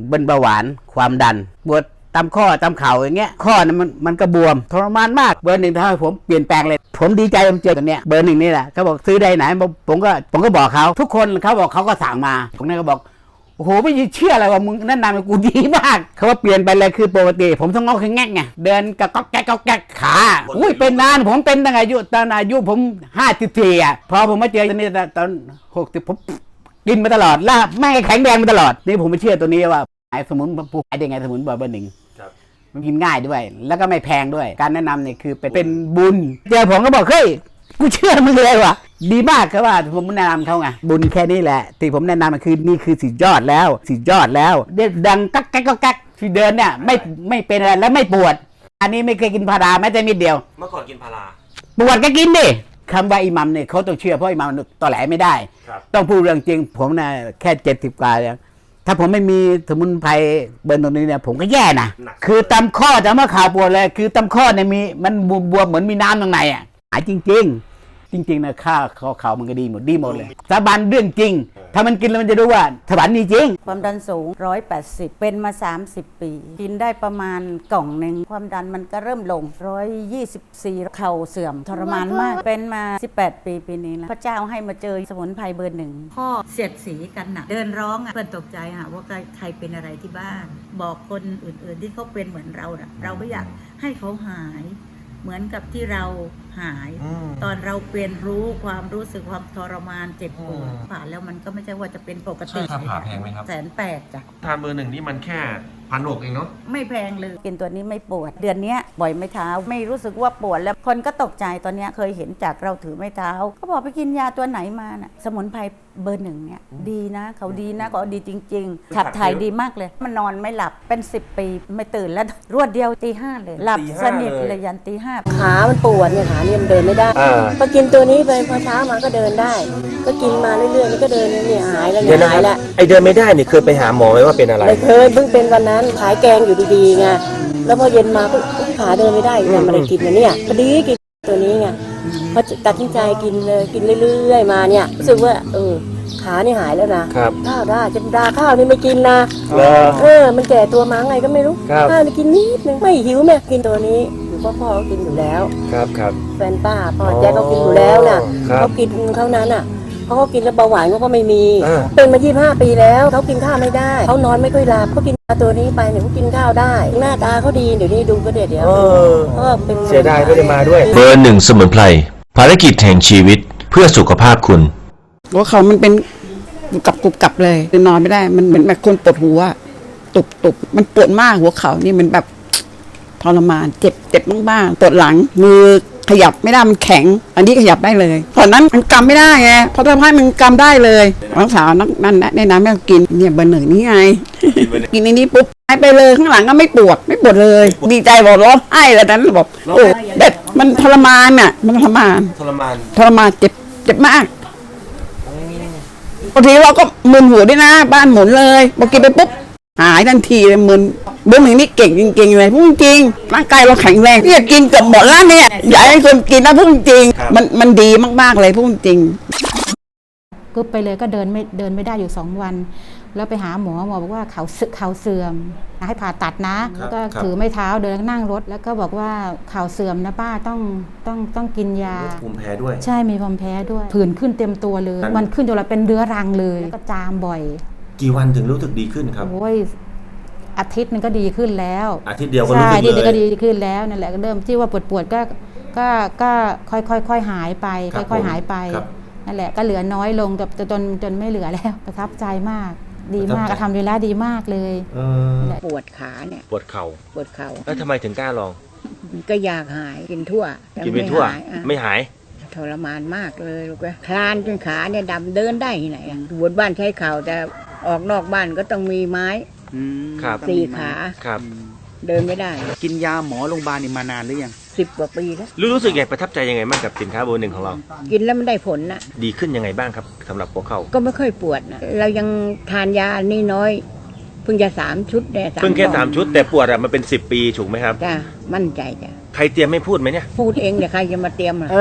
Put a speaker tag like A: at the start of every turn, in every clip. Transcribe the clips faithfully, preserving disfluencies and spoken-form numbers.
A: เป็นเบาหวานความดันปวดตามข้อตามเข่าอย่างเงี้ยข้อนั้นมันมันก็บวมทรมานมากเบอร์หนึ่งทำให้ผมเปลี่ยนแปลงเลยผมดีใจผมเจอตัวเนี้ยเบอร์หนึ่งนี่แหละเขาบอกซื้อได้ไหนผมก็ผมก็บอกเขาทุกคนเขาบอกเขาก็สั่งมาผมนั่นก็บอกโอ้โหไม่เชื่ออะไรว่ามึงแนะนำกูดีมากเขาว่าเปลี่ยนไปเลยคือปกติผมต้องงอแข็งแง่ไงเดินกระก๊อกแก๊กก๊อกแก๊กขาอุ้ยเป็นนานผมเป็นตั้งอายุตอนอายุผมห้าสิบสี่อ่ะพอผมมาเจอตัวนี้ตอนหกสิบผมกินมาตลอดล่าแม่แข็งแรงมาตลอดนี่ผมไม่เชื่อตัวนี้ว่าไอ้สมุนผู้ขายได้ไงสมุนเบอร์หนึ่งมันกินง่ายด้วยแล้วก็ไม่แพงด้วยการแนะนำเนี่ยคือเป็นเป็นบุญเจอผมก็บอกเฮ้ยกูเชื่อมึงเลยว่ะดีมากครับว่าผมแนะนำเขาไงบุญแค่นี้แหละที่ผมแนะนำมันคือนี่คือสุดยอดแล้วสุดยอดแล้วเด็ดดังกักกักกักกักที่เดินเนี่ยไม่ไม่เป็นอะไรและไม่ปวดอันนี้ไม่เคยกินพาราแม้แต่นิดเดียว
B: เมื่อก่อนกินพารา
A: ปวดก็กินดิคำว่าอิหมัมเนี่ยเขาต้องเชื่อเพราะอิหมัมต่อแหลไม่ได้ต้องพูดเรื่องจริงผมนะแค่เจ็ดสิบกว่าแล้วถ้าผมไม่มีสมุนไพรเบอร์ตรงนี้เนี่ยผมก็แย่นะคือตำข้อจะมาข่าวปวดเลยคือตำข้อเนี่ยมีมันบวมเหมือนมีน้ำตรงในอ่ะหายจริงๆจริงๆนะค่าข้อเข่ามันก็ดีหมดดีหมดเลยสาบานเรื่องจริงถ้ามันกินแล้วมันจะรู้ว่าสวรรค์มีจริง
C: ความดันสูงหนึ่งร้อยแปดสิบเป็นมาสามสิบปีกินได้ประมาณกล่องหนึ่งความดันมันก็เริ่มลงหนึ่งร้อยยี่สิบสี่เข่าเสื่อมทรมานมากเป็นมาสิบแปดปีปีนี้แล้วพระเจ้าให้มาเจอสมุนไพรเบอร์หนึ่งพ่อเสียดสีกันหนักเดินร้องเพื่อนตกใจค่ะว่าใครเป็นอะไรที่บ้านบอกคนอื่นๆที่เขาเป็นเหมือนเราเราไม่อยากให้เขาหายเหมือนกับที่เราหายตอนเราเปลี่ยนรู้ความรู้สึกความทรมานเจ็บปวดผ่านแล้วมันก็ไม่ใช่ว่าจะเป็นปกติ
B: ค่าผ่าแพงไหมครับ
C: แสนแปดจ้ะ
B: ทานเบอร์หนึ่งนี่มันแค่พันหกเองเนาะ
C: ไม่แพงเลยกินตัวนี้ไม่ปวดเดือนนี้บ่อยไม่เท้าไม่รู้สึกว่าปวดแล้วคนก็ตกใจตอนนี้เคยเห็นจากเราถือไม่เท้าเขาบอกไปกินยาตัวไหนมาน่ะสมุนไพรเบอร์หนึ่งเนี่ยดีนะเขาดีนะเขาดีจริงๆขับถ่ายดีมากเลยมันนอนไม่หลับเป็นสิบปีไม่ตื่นแล้วรวดเดียวตีห้าเลยหลับสนิทเลยยันตีห้า
D: ขามันปวดเนี่ยขาเนี่ยมันเดินไม่ได้พอกินตัวนี้ไปพอเช้ามาก็เดินได้ก็กินมาเรื่อยๆแล้วก็เดินเนี่ยหายแล้วเนี่ยหายแล้ว
B: ไอเดินไม่ได้เนี่ยเคยไปหาหมอไหมว่าเป็นอะไร
D: ไม่เคยเพิ่งเป็นวันนั้นขายแกงอยู่ดีๆไงแล้วพอเย็นมาก็ขาเดินไม่ได้เนี่ยมันเลยกินมาเนี่ยพอดีกินตัวนี้ไงพอตัดสินใจกินเลยกินเรื่อยๆมาเนี่ยรู้สึกว่าเออขานี่หายแล้วนะข้าวได้จะดาข้าวนี่ไม่กินนะเออมันแก่ตัวมาไงก็ไม่รู้ข้าวนี่กินนิดนึงไม่หิวแม่กินตัวนี้อยู่พ่อพ่อเขากินอยู่แล้ว
B: ครับครับ
D: แฟนป้าพ่อแจ๊เขากินอยู่แล้วน่ะเขากินเท่านั้นอ่ะเขาก็กินแล้วเบาหวานเขาก็ไม่มีเป็นมายี่สิบห้าปีแล้วเขากินข้าวไม่ได้เขานอนไม่ค่อยหลับเขากินตัวนี้ไปเนี่ยเขากินข้าวได้หน้าตาเขาดีเดี๋ยวนี้ดูก็เดี๋ยวเดี๋ยว
B: ก็เป็นเสียดายไม่ได้มาด้วย
E: เบอร์หนึ่งสมุนไพรภารกิจแห่งชีวิตเพื่อสุขภาพคุณ
F: หัวเขามันเป็นกับกุบกับเลยนอนไม่ได้มันเหมือนแบบคนปวดหัวตุบตุบมันปวดมากหัวเขานี่มันแบบทรมานเจ็บเจ็บบ้างๆปวดหลังมือขยับไม่ได้มันแข็งอันนี้ขยับได้เลยตอนนั้นมันกำไม่ได้ไงพอทำให้มันกำได้เลยน้องสาวนั่นแนะนำให้กินเนี่ยเบอร์หนึ่งนี่ไงกินในนี้ปุ๊บหายไปเลยข้างหลังก็ไม่ปวดไม่ปวดเลยดีใจบอกร้องไห้แล้วนั้นบอกโอ้แบบมันทรมานอ่ะมันทรมาน
B: ทรมาน
F: ทรมานเจ็บเจ็บมากบางทีเราก็มึนหัวด้วยนะบ้านหมุนเลยพอกินไปปุ๊บหายทันทีเลยมึนเบอร์หนึ่งนี่เก่งจริงๆเลยพูดจริงร่างกายเราแข็งแรงที่จะกินเกือบหมดแล้วเนี่ยอยากให้คนกินนะพูดจริงมันมันดีมากๆเลยพูดจริง
G: ก็ไปเลยก็เดินไม่เดินไม่ได้อยู่สองวันแล้วไปหาหมอหมอบอกว่าเขาเข่าเสื่อมให้ผ่าตัดนะแล้วก็ถือไม้เท้าเดินนั่งรถแล้วก็บอกว่าเข่าเสื่อมนะป้าต้องต้องต้องกินยา
B: ภูมิแพ้ด้วย
G: ใช่มีภูมิแพ้ด้วยผื่นขึ้นเต็มตัวเลยมันขึ้นจนเราเป็นเรื้อรังเลยแล้วก็จามบ่อย
B: กี่วันถึงรู้สึกดีขึ้นครับ
G: โอ้ยอาทิตย์นึงก็ดีขึ้นแล้ว
B: อาทิตย์เดียวก็รู้สึกเลย
G: ใช่อาทิตย์นึงก็ดีขึ้นแล้วนั่นแหละก็เริ่มที่ว่าปวดปวดก็ก็ก็ค่อยค่อยค่อยหายไปค่อยค่อยหายไปนั่นแหละก็เหลือน้อยลงจนจนจนไม่เหลือแล้วประทับใจมากดีมากทำดีแล้วดีมากเลย
D: ปวดขาเนี่ย
B: ปวดเข่า
D: ปวดเข่า
B: แล้วทำไมถึงกล้าลอง
D: ก็อยากหายกินทั่ว
B: กินไปทั่วไม่หาย
D: ทรมานมากเลยลูกคลานจนขาเนี่ยดำเดินได้ที่ไหนบนบ้านใช้เข่าแต่ออกนอกบ้านก็ต้องมีไม้สี่ขา
B: ครับ
D: เดินไม่ได้
A: กินยาหมอโรงพยาบาลนี่มานานหรือยัง
D: สิบกว่าปีแล้ว
B: รู้สึกไงประทับใจยังไงบ้างกับสินค้าเบอร์หนึ่งของเรา
D: กินแล้วมันได้ผลนะ
B: ดีขึ้นยังไงบ้างครับสำหรับหัวเข่า
D: ก็ไม่ค่อยปวดนะเรายังทานยานี่น้อยเพิ่งจะสามชุดแน่
B: เพิ่งแค่สามชุดแต่ปวดอะมันเป็นสิบปีถูกไหมครับ
D: จ้ามั่นใจจ้ะ
B: ใครเตรียมไม่พูดไหมเนี่ย
D: พูดเองเดี๋ยวใครจะมาเตรียมอ่ะ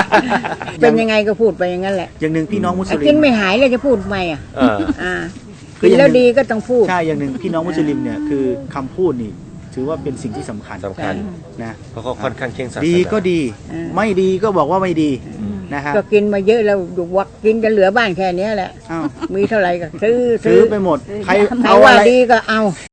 D: เป็นยังไงก็พูดไปอย่างนั้นแหละ
A: อย่างหนึ่งพี่น้องมุสลิม
D: กินไม่หายเลยจะพูดทำไมอ่ะอ่า
H: คือ
I: กิน
H: อย่าง
I: แล้ว
H: หนึ่ง
I: ดีก็ต้องพูด
H: ใช่อย่างหนึ่งพี่น้องมุสลิมเนี่ยคือคำพูดนี่ถือว่าเป็นสิ่งที่สำคัญ
B: สำคัญ
H: นะ
B: เพราะเขาค่อนข้างเข่งศาสนา
H: ดีก็ดี
I: เออ
H: ไม่ดีก็บอกว่าไม่ดีนะฮะ
I: ก็กินมาเยอะแล้วดูวักกินกันเหลือบ้านแค่เนี้ยแหละ
H: อ้าว
I: มีเท่าไหร่ก็ซื้อ
H: ซื้อไปหมดใคร
I: ใคร
H: เอา
I: ว่า
H: อะไร
I: ดีก็เอา